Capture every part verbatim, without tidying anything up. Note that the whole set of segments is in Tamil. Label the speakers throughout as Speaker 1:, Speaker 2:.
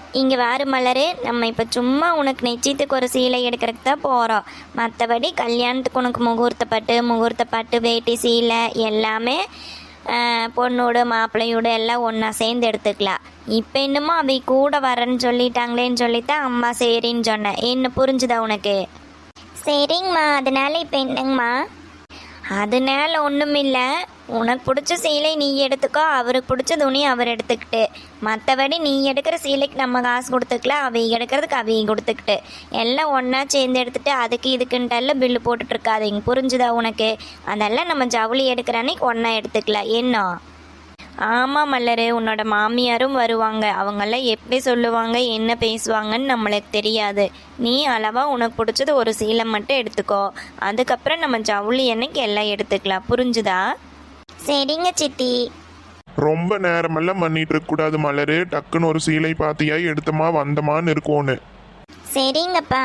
Speaker 1: இங்கே வாரு மலரு, நம்ம இப்போ சும்மா உனக்கு நிச்சயத்துக்கு ஒரு சீலை எடுக்கிறதுக்கு தான் போகிறோம். மற்றபடி கல்யாணத்துக்கு உனக்கு முகூர்த்த பட்டு முகூர்த்த பட்டு வேட்டி சீலை எல்லாமே பொண்ணோடு மாப்பிள்ளையோடு எல்லாம் ஒன்றா சேர்ந்து எடுத்துக்கலாம். இப்போ இன்னமும் அவை கூட வரேன்னு சொல்லிட்டாங்களேன்னு சொல்லித்தான் அம்மா சரின்னு சொன்னேன். என்ன புரிஞ்சுதா உனக்கு?
Speaker 2: சரிங்கம்மா. அதனால இப்போ என்னங்கம்மா?
Speaker 1: அதனால ஒன்றும் இல்லை. உனக்கு பிடிச்ச சீலை நீ எடுத்துக்கோ, அவருக்கு பிடிச்ச துணி அவர் எடுத்துக்கிட்டு, மற்றபடி நீ எடுக்கிற சீலைக்கு நம்ம காசு கொடுத்துக்கலாம், அவை எடுக்கிறதுக்கு அவையும் கொடுத்துக்கிட்டு எல்லாம் ஒன்றா சேர்ந்து எடுத்துகிட்டு அதுக்கு இதுக்குன்ட்டெல்லாம் பில்லு போட்டுட்ருக்காதீங்க. புரிஞ்சுதா உனக்கு? அதெல்லாம் நம்ம ஜவுளி எடுக்கிற அன்னைக்கு ஒன்றா எடுத்துக்கலாம். என்ன? ஆமாம் மல்லரு, உன்னோட மாமியாரும் வருவாங்க. அவங்கெல்லாம் எப்படி சொல்லுவாங்க என்ன பேசுவாங்கன்னு நம்மளுக்கு தெரியாது. நீ அளவாக உனக்கு பிடிச்சது ஒரு சீலை மட்டும் எடுத்துக்கோ, அதுக்கப்புறம் நம்ம ஜவுளி அன்னைக்கு எல்லாம் எடுத்துக்கலாம். புரிஞ்சுதா?
Speaker 2: சரிங்க சித்தி.
Speaker 3: ரொம்ப நேரமெல்லாம் பண்ணிட்டு இருக்க கூடாது மலரு. டக்குன்னு ஒரு சீலை பாத்தியா எடுத்தமா வந்தமான்னு இருக்கோன்னு.
Speaker 2: சரிங்கப்பா.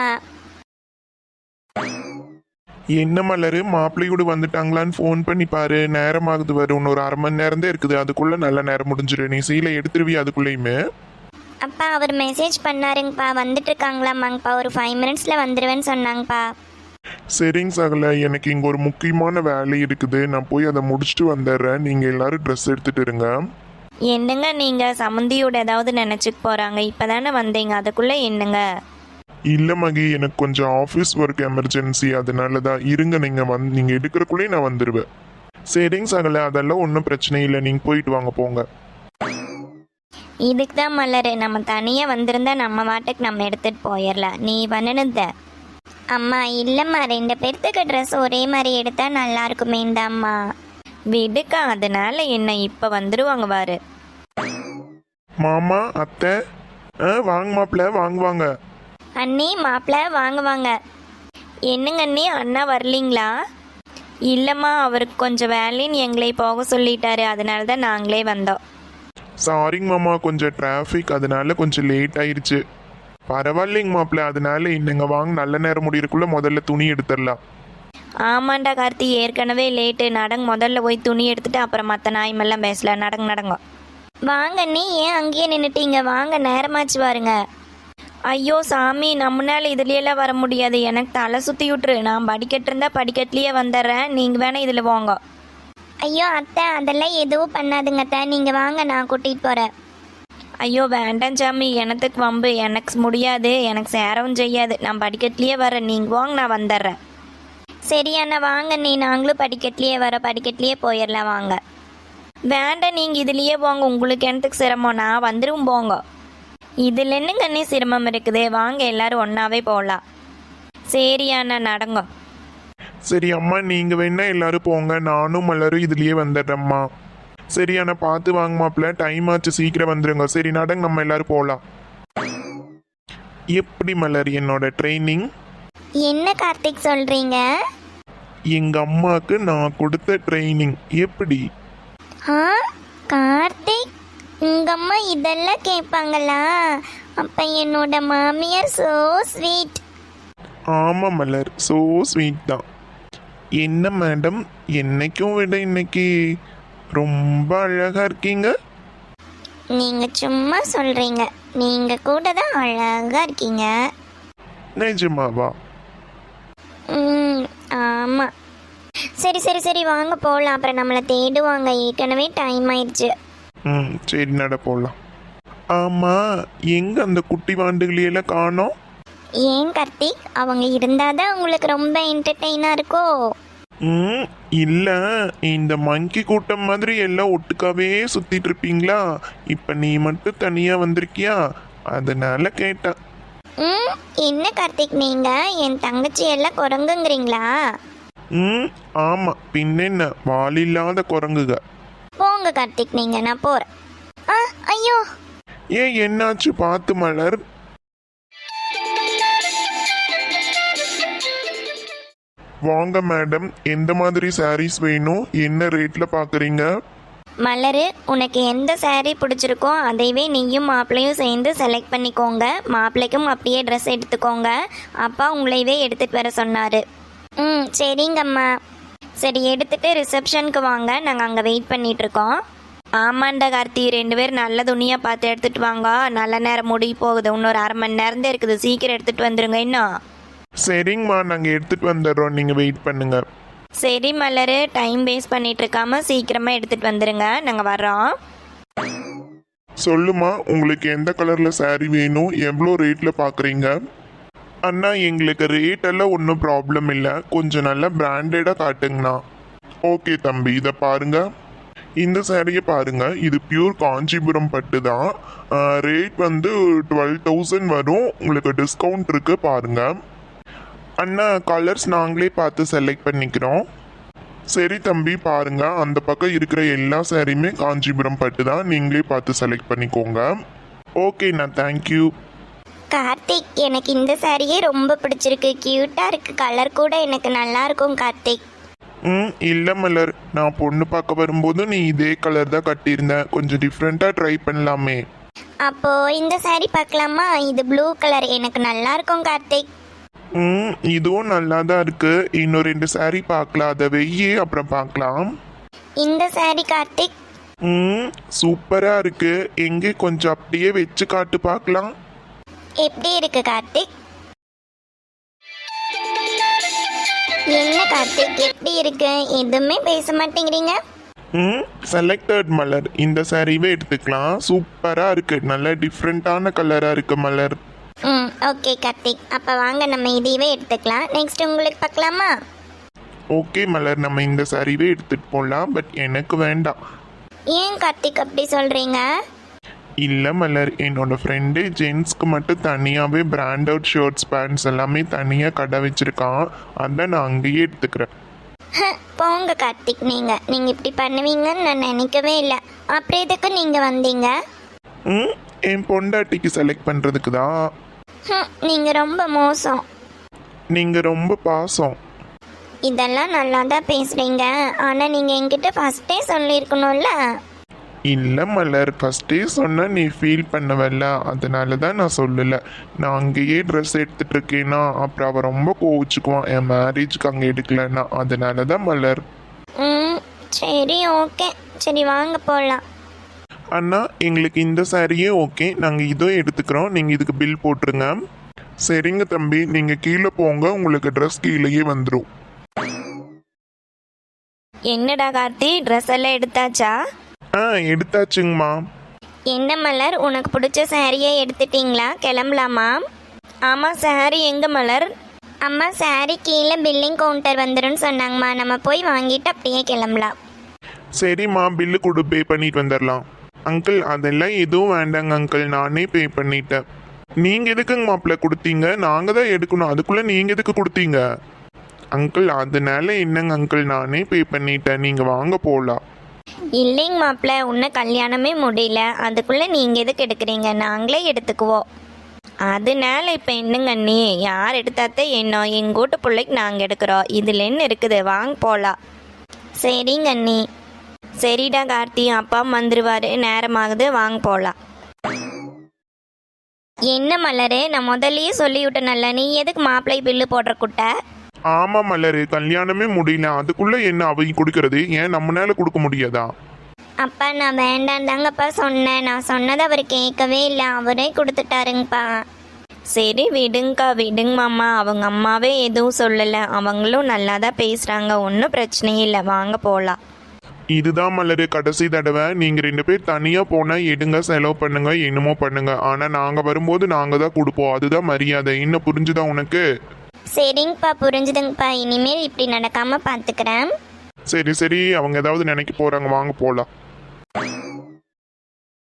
Speaker 3: என்ன மலரு, மாப்பிள்ளையோடு வந்துட்டாங்களான்னு ஃபோன் பண்ணி பாரு. நேரமாகுது வரும், இன்னொரு அரை மணி நேரம் தான் இருக்குது. அதுக்குள்ள நல்ல நேரம் முடிஞ்சிரு. நீ சீலை எடுத்துருவியா அதுக்குள்ளேயுமே?
Speaker 2: அப்பா அவர் மெசேஜ் பண்ணாருங்கப்பா, வந்துட்டு இருக்காங்களாமாங்கப்பா, ஒரு ஃபைவ் மினிட்ஸில் வந்துடுவேன்னு சொன்னாங்கப்பா.
Speaker 3: சரிங்க சகல, எனக்கு இங்கே ஒரு முக்கியமான வேலை இருக்குது. நான் போய் அதை முடிச்சுட்டு வந்துடுறேன். நீங்கள் எல்லாரும் ட்ரெஸ் எடுத்துட்டு இருங்க.
Speaker 1: என்னங்க நீங்கள் சம்மந்தியோட ஏதாவது நினச்சிக்க போகிறாங்க? இப்போ தானே வந்தீங்க, அதுக்குள்ளே என்னங்க?
Speaker 3: இல்லை மகி, எனக்கு கொஞ்சம் ஆஃபீஸ் ஒர்க் எமர்ஜென்சி, அதனால தான். இருங்க, நீங்கள் வந்து நீங்கள் எடுக்கிறக்குள்ளேயே நான் வந்துடுவேன். சரிங்க சகல, அதெல்லாம் ஒன்றும் பிரச்சனை இல்லை. நீங்கள் போயிட்டு வாங்க, போங்க.
Speaker 1: இதுக்கு தான் மலரு, நம்ம தனியாக வந்திருந்தா நம்ம வாட்டுக்கு நம்ம எடுத்துகிட்டு போயிடலாம். நீ பண்ணினத
Speaker 2: அம்மா இல்லைம்மா, ரெண்டு பேர்த்துக்கு ட்ரெஸ் ஒரே மாதிரி எடுத்தா நல்லா இருக்குமேண்டாம்மா.
Speaker 1: விடுக்கா, அதனால என்ன, இப்போ வந்துடுவாங்க வாரு.
Speaker 3: மாமா அத்தை, ஆ வாங்க மாப்பிள்ள, வாங்குவாங்க.
Speaker 1: அண்ணி மாப்பிள்ள வாங்க வாங்க. என்னங்க அண்ணி, அண்ணா வரலீங்களா? இல்லைம்மா, அவருக்கு கொஞ்சம் வேலைன்னு எங்களை போக சொல்லிட்டாரு, அதனால தான் நாங்களே வந்தோம்.
Speaker 3: சாரிங்க மாமா, கொஞ்சம் டிராஃபிக், அதனால கொஞ்சம் லேட் ஆயிடுச்சு. பரவாயில்லைங்க மாப்பிள்ள, அதனால இன்னங்க வாங்க, நல்ல நேரம் முடியறதுக்குள்ள முதல்ல துணி எடுத்துடலாம்.
Speaker 1: ஆமாண்டா கார்த்தி, ஏற்கனவே லேட்டு. நடங்க, முதல்ல போய் துணி எடுத்துட்டு அப்புறம் மற்ற நாய்மெல்லாம் பேசலாம். நடங்க நடங்க.
Speaker 2: வாங்க அண்ணி, ஏன் அங்கேயே நின்றுட்டீங்க? வாங்க, நேரமாச்சு பாருங்க.
Speaker 1: ஐயோ சாமி, நம்மளால இதுலையெல்லாம் வர முடியாது. எனக்கு தலை சுற்றி விட்டுரு. நான் படிக்கட்டு இருந்தால் படிக்கட்டுலேயே வந்துடுறேன், நீங்கள் வேணா இதில் போங்க.
Speaker 2: ஐயோ அத்தை, அதெல்லாம் எதுவும் பண்ணாதுங்க அத்தை, நீங்கள் வாங்க, நான் கூட்டிகிட்டு போகிறேன்.
Speaker 1: ஐயோ வேண்டாம் சாமி, எனத்துக்கு வம்பு. எனக்கு முடியாது, எனக்கு சேரவும் செய்யாது. நான் படிக்கட்டுலேயே வரேன், நீங்கள் வாங்க, நான் வந்துடுறேன்.
Speaker 2: சரியாண்ணா வாங்க நீ, நாங்களும் படிக்கட்டுலேயே வர, படிக்கட்டுலேயே போயிடலாம் வாங்க.
Speaker 1: வேண்டாம், நீங்கள் இதுலேயே போங்க, உங்களுக்கு எனத்துக்கு சிரமம், நான் வந்துடும் போங்க. இதில் என்னங்க அண்ணி சிரமம் இருக்குது? வாங்க எல்லாரும் ஒன்றாவே போகலாம். சரி அண்ணா, நடங்க.
Speaker 3: சரி அம்மா, நீங்கள் வேணா எல்லாரும் போங்க, நானும் மலரும் இதுலயே வந்துடுறேம்மா. சரி அண்ணா, பார்த்து வாங்க மாப்பிள்ள, டைம் ஆச்சு, சீக்கிரம் வந்துடுங்க. சரி நடங்க, நம்ம எல்லாரும் போகலாம். எப்படி மலர் என்னோட ட்ரைனிங்?
Speaker 2: என்ன கார்த்திக் சொல்கிறீங்க?
Speaker 3: எங்க அம்மாவுக்கு நான் கொடுத்த ட்ரைனிங் எப்படி?
Speaker 2: ஆ கார்த்திக், உங்கள் அம்மா இதெல்லாம் கேட்பாங்களா? அப்போ என்னோட மாமியார் ஸோ ஸ்வீட்.
Speaker 3: ஆமாம் மலர், ஸோ ஸ்வீட் தான். என்ன மேடம், என்னைக்கும் விட இன்னைக்கு ரொம்ப அழகா இருக்கீங்க.
Speaker 2: நீங்கள் சும்மா சொல்கிறீங்க, நீங்கள் கூட தான் அழகாக இருக்கீங்க.
Speaker 3: நிஜமாவா?
Speaker 2: ம் ஆமாம். சரி சரி சரி வாங்க போகலாம், அப்புறம் நம்மளை தேடுவாங்க, ஏற்கனவே டைம் ஆயிடுச்சு.
Speaker 3: ம் சரி, நட போகலாம். ஆமாம், எங்கே அந்த குட்டி வாண்டுகளையெல்லாம் காணோம்?
Speaker 2: ஏன் கார்த்திக், அவங்க இருந்தால் தான் உங்களுக்கு ரொம்ப என்டர்டெயினாக இருக்கோ?
Speaker 3: ம் இல்லை, இந்த மங்கி கூட்டம் மாதிரி எல்லாம் ஒட்டுக்காவே சுற்றிட்டு இருப்பீங்களா? இப்போ நீ மட்டும் தனியாக வந்திருக்கியா, அதனால கேட்டேன்.
Speaker 2: ம் என்ன கார்த்திக், நீங்கள் என் தங்கச்சி எல்லாம் குரங்குங்கிறீங்களா?
Speaker 3: ம் ஆமாம், பின்னென்ன, வாலில்லாத குரங்குக.
Speaker 2: போங்க கார்த்திக், நீங்கள், நான் போகிறேன். ஆ ஐயோ,
Speaker 3: ஏன் என்னாச்சு? பார்த்து மலர். வாங்க மேடம், எந்த மாதிரி சாரீஸ் வேணும், என்ன ரேட்டில் பார்க்குறீங்க?
Speaker 1: மலரு, உனக்கு எந்த saree பிடிச்சிருக்கோ அதைவே நீயும் மாப்பிள்ளையும் சேர்ந்து செலக்ட் பண்ணிக்கோங்க. மாப்பிள்ளைக்கும் அப்படியே ட்ரெஸ் எடுத்துக்கோங்க. அப்பா உங்களையவே எடுத்துகிட்டு வர சொன்னார்.
Speaker 2: ம் சரிங்கம்மா.
Speaker 1: சரி, எடுத்துகிட்டு ரிசப்ஷனுக்கு வாங்க, நாங்கள் அங்கே வெயிட் பண்ணிகிட்ருக்கோம். ஆமாண்டா கார்த்தி, ரெண்டு பேரும் நல்ல துணியாக பார்த்து எடுத்துகிட்டு வாங்க. நல்ல நேரம் முடி போகுது, இன்னொரு அரை மணி நேரம் தான் இருக்குது. சீக்கிரம் எடுத்துகிட்டு வந்துடுங்க இன்னும்.
Speaker 3: சரிங்கம்மா, நாங்கள் எடுத்துகிட்டு வந்துடுறோம், நீங்கள் வெயிட் பண்ணுங்க.
Speaker 1: சரி மலர், டைம் வேஸ்ட் பண்ணிட்டு இருக்காம சீக்கிரமாக எடுத்துகிட்டு வந்துடுங்க, நாங்கள் வர்றோம்.
Speaker 3: சொல்லுமா, உங்களுக்கு எந்த கலரில் saree வேணும், எவ்வளோ ரேட்டில் பார்க்குறீங்க? அண்ணா, எங்களுக்கு ரேட் எல்லாம் ஒன்றும் ப்ராப்ளம் இல்லை, கொஞ்சம் நல்லா பிராண்டடாக காட்டுங்கண்ணா. ஓகே தம்பி, இதை பாருங்க, இந்த சாரியை பாருங்க, இது பியூர் காஞ்சிபுரம் பட்டு தான். ரேட் வந்து டுவெல் தௌசண்ட் வரும், உங்களுக்கு டிஸ்கவுண்ட் இருக்கு பாருங்க. அண்ணா, கலர்ஸ் நாங்களே பார்த்து செலக்ட் பண்ணிக்கிறோம். சரி தம்பி, பாருங்க, அந்த பக்கம் இருக்கிற எல்லா சாரியுமே காஞ்சிபுரம் பட்டு தான், நீங்களே பார்த்து செலக்ட் பண்ணிக்கோங்க. ஓகேண்ணா, தேங்க்யூ.
Speaker 2: கார்த்திக், எனக்கு இந்த சாரியே ரொம்ப பிடிச்சிருக்கு. கியூட்டாக இருக்குது, கலர் கூட எனக்கு நல்லா இருக்கும் கார்த்திக்.
Speaker 3: ம் இல்லை மலர், நான் பொண்ணு பார்க்க வரும்போது நீ இதே கலர் தான் கட்டியிருந்த, கொஞ்சம் டிஃப்ரெண்ட்டாக ட்ரை பண்ணலாமே.
Speaker 2: அப்போது இந்த சாரி பார்க்கலாமா? இது ப்ளூ கலர், எனக்கு நல்லா இருக்கும் கார்த்திக்.
Speaker 3: ம் இதுவும் நல்லா தான் இருக்கு, இன்னும் ரெண்டு saree பார்க்கலாம், அதை வெய்யே அப்புறம் பார்க்கலாம்.
Speaker 2: இந்த சாரி கார்த்திக்.
Speaker 3: ம் சூப்பராக இருக்கு, எங்கே கொஞ்சம் அப்படியே வச்சு காட்டு பார்க்கலாம்.
Speaker 2: எப்படி இருக்கு கார்த்திக்? என்ன கார்த்திக், எப்படி இருக்கு? எதுவுமே பேச மாட்டேங்கிறீங்க.
Speaker 3: ம் செலக்டட் மலர், இந்த சாரீவே எடுத்துக்கலாம், சூப்பராக இருக்கு, நல்ல டிஃப்ரெண்ட்டான கலராக இருக்கு மலர்.
Speaker 2: ம் ஓகே கார்த்திக், அப்போ வாங்க நம்ம இதையவே எடுத்துக்கலாம். நெக்ஸ்ட் உங்களுக்கு பார்க்கலாமா?
Speaker 3: ஓகே மலர், நம்ம இந்த சாரீவே எடுத்துகிட்டு போகலாம், பட் எனக்கு வேண்டாம்.
Speaker 2: ஏன் கார்த்திக் அப்படி சொல்கிறீங்க?
Speaker 3: இல்லை மலர், என்னோட ஃப்ரெண்டு ஜென்ஸ்க்கு மட்டும் தனியாகவே பிராண்டட் ஷர்ட்ஸ் பேண்ட்ஸ் எல்லாமே தனியாக கடை வச்சுருக்கான், அதான் நான் அங்கேயே எடுத்துக்கிறேன்.
Speaker 2: போங்க கார்த்திக், நீங்கள் நீங்கள் இப்படி பண்ணுவீங்கன்னு நான் நினைக்கவே இல்லை. அப்புறம் எதுக்கு நீங்கள் வந்தீங்க?
Speaker 3: ம் என் பொண்டாட்டிக்கு செலக்ட் பண்ணுறதுக்கு தான்.
Speaker 2: நீங்கள் ரொம்ப மோசம்.
Speaker 3: நீங்கள் ரொம்ப பாசம்.
Speaker 2: இதெல்லாம் நல்லா தான் பேசுகிறீங்க, ஆனால் நீங்கள் என்கிட்ட ஃபஸ்ட்டே சொல்லியிருக்கணும்ல.
Speaker 3: இல்லை மலர், ஃபஸ்ட்டே சொன்னால் நீ ஃபீல் பண்ணவல்ல, அதனால தான் நான் சொல்லலை. நான் அங்கேயே ட்ரெஸ் எடுத்துகிட்டு இருக்கேன்னா அப்புறம் அவன் ரொம்ப கோவிச்சுக்குவான், என் மேரேஜுக்கு அங்கே எடுக்கலன்னா, அதனால தான் மலர்.
Speaker 2: ம் சரி ஓகே, சரி வாங்க போகலாம்.
Speaker 3: அண்ணா, எங்களுக்கு இந்த சாரியே ஓகே, நாங்கள் இதோ எடுத்துக்கிறோம், நீங்கள் இதுக்கு பில் போட்டுருங்க. சரிங்க தம்பி, நீங்கள் கீழே போங்க, உங்களுக்கு ட்ரெஸ் கீழேயே வந்துடும்.
Speaker 1: என்னடா கார்த்தி, ட்ரெஸ் எல்லாம் எடுத்தாச்சா?
Speaker 3: ஆ எடுத்தாச்சுங்கம்மா.
Speaker 2: என்ன மலர், உனக்கு பிடிச்ச சாரியை எடுத்துட்டீங்களா? கிளம்பலாமா?
Speaker 1: ஆமாம், சாரி எங்கே மலர்?
Speaker 2: அம்மா, சாரி கீழே பில்லிங் கவுண்டர் வந்துடும் சொன்னாங்கம்மா, நம்ம போய் வாங்கிட்டு அப்படியே கிளம்பலாம்.
Speaker 3: சரிம்மா, பில்லு கொடு, பே பண்ணிட்டு வந்துடலாம். அங்கிள், அதெல்லாம் எதுவும் வேண்டாங்க அங்கிள், நானே பே பண்ணிட்டேன். நீங்கள் எதுக்குங்க மாப்பிள்ள கொடுத்தீங்க? நாங்கள் தான் எடுக்கணும், அதுக்குள்ளே நீங்கள் எதுக்கு கொடுத்தீங்க? அங்கிள், அதனால என்னங்க அங்கிள், நானே பே பண்ணிட்டேன், நீங்கள் வாங்க போகலாம்.
Speaker 1: இல்லைங்க மாப்பிள்ள, இன்னும் கல்யாணமே முடியல, அதுக்குள்ளே நீங்கள் எதுக்கு எடுக்கிறீங்க? நாங்களே எடுத்துக்குவோம். அதனால இப்போ என்னங்க நீ, யார் எடுத்தாத்தே என்ன, எங்கள் வீட்டு பிள்ளைக்கு நாங்கள் எடுக்கிறோம், இதில் என்ன இருக்குது, வாங்க போகலாம். சரிங்க அண்ணி. சரிடா கார்த்தி, அப்பா வந்துடுவார், நேரமாகுது, வாங்க போகலாம்.
Speaker 2: என்ன மலரு, நான் முதல்லயே சொல்லிவிட்டேன்ல, நீ எதுக்கு மாப்பிள்ளை பில்லு போடுற குட்டை?
Speaker 3: ஆமாம் மலர், கல்யாணமே முடியல, அதுக்குள்ளே என்ன அவங்க கொடுக்கறது, ஏன் நம்மளால கொடுக்க முடியாதா?
Speaker 2: அப்பா, நான் வேண்டாம் தாங்கப்பா சொன்னேன், நான் சொன்னதை அவர் கேட்கவே இல்லை, அவரே கொடுத்துட்டாருங்கப்பா.
Speaker 1: சரி விடுங்கக்கா, விடுங்க மாமா, அவங்க அம்மாவே எதுவும் சொல்லலை, அவங்களும் நல்லா தான் பேசுகிறாங்க, ஒன்றும் பிரச்சனையே இல்லை, வாங்க போகலாம்.
Speaker 3: இதுதான் மலர் கடைசி தடவை, நீங்கள் ரெண்டு பேர் தனியாக போனால் எடுங்க, செலவு பண்ணுங்க, என்னமோ பண்ணுங்க, ஆனால் நாங்கள் வரும்போது நாங்கள் தான் கொடுப்போம், அதுதான் மரியாதை, இன்னும் புரிஞ்சுதா உனக்கு?
Speaker 2: சரிங்கப்பா, புரிஞ்சுதுங்கப்பா, இனிமேல் இப்படி நடக்காமல் பார்த்துக்கிறேன்.
Speaker 3: சரி சரி, அவங்க ஏதாவது நினைக்க போகிறாங்க, வாங்க போகலாம்.